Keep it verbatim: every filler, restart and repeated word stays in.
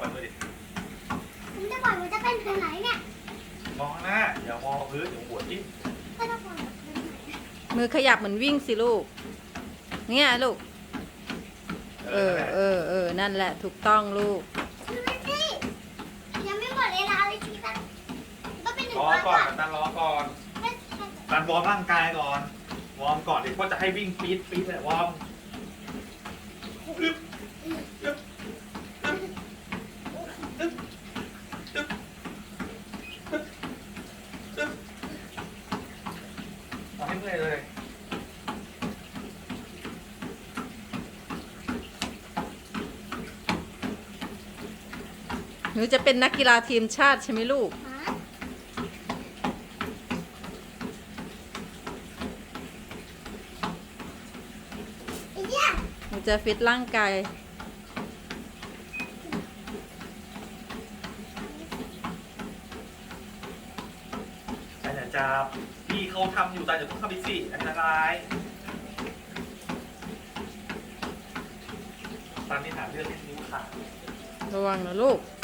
ล่อยมือดิผมจะปล่อยมันจะเป็นแบบไหนเนี่ยมองหน้าอย่ามองพื้นเดี๋ยวหัวจิ้มก็จะปล่อยแบบไหนมือขยับเหมือนวิ่งสิลูกเนี่ยลูกเออเออเออนั่นแหละถูกต้องลูกดูสิยังไม่หมดเวลาเลยทีละก็เป็นหนึ่งรอวันก่อนก่อนตันรอก่อนไม่ใช่ตันวอร์มร่างกายก่อนวอร์มก่อนเดี๋ยวก็จะให้วิ่งปี๊ดปี๊ดเลยวอร์มอึ๊บอึ๊บอึ๊บอึ๊บอึ๊บอึ๊บอึ๊บเอาให้เมื่อยเลยหนูจะเป็นนักกีฬาทีมชาติใช่ไหมลูกฮะไอ้เนี่ยหนูจะฟิตร่างกายแต่อย่าจับพี่เขาทำอยู่แต่อย่าเพิ่งเข้าไปสิอันตรายตอนนี้หาเรื่องที่นิ้วขาดระวังนะลูก